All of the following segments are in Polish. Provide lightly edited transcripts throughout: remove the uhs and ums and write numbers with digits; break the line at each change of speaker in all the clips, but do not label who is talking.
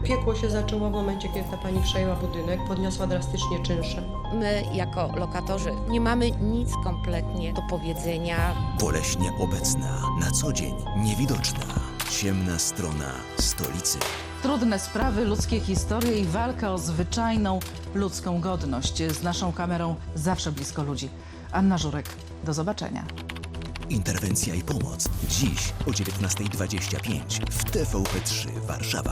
Piekło się zaczęło w momencie, kiedy ta pani przejęła budynek, podniosła drastycznie czynsze.
My jako lokatorzy nie mamy nic kompletnie do powiedzenia.
Boleśnie obecna, na co dzień niewidoczna. Ciemna strona stolicy.
Trudne sprawy, ludzkie historie i walka o zwyczajną ludzką godność. Z naszą kamerą zawsze blisko ludzi. Anna Żurek, do zobaczenia.
Interwencja i pomoc. Dziś o 19:25 w TVP3 Warszawa.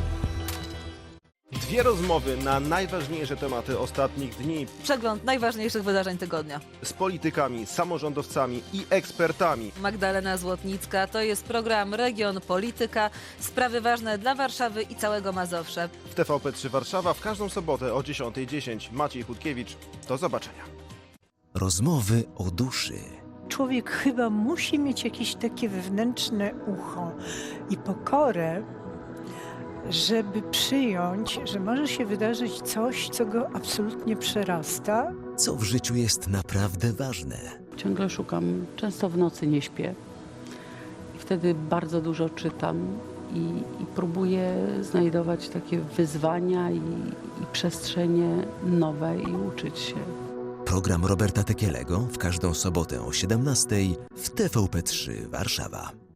Dwie rozmowy na najważniejsze tematy ostatnich dni
Przegląd najważniejszych wydarzeń tygodnia.
z politykami, samorządowcami i ekspertami.
Magdalena Złotnicka, to jest program Region Polityka. Sprawy ważne dla Warszawy i całego Mazowsza.
W TVP3 Warszawa w każdą sobotę o 10:10. Maciej Chudkiewicz. Do zobaczenia.
Rozmowy o duszy.
Człowiek chyba musi mieć jakieś takie wewnętrzne ucho i pokorę, żeby przyjąć, że może się wydarzyć coś, co go absolutnie przerasta.
Co w życiu jest naprawdę ważne.
Ciągle szukam, często w nocy nie śpię. I wtedy bardzo dużo czytam i próbuję znajdować takie wyzwania i przestrzenie nowe i uczyć się.
Program Roberta Tekielego w każdą sobotę o 17:00 w TVP3 Warszawa.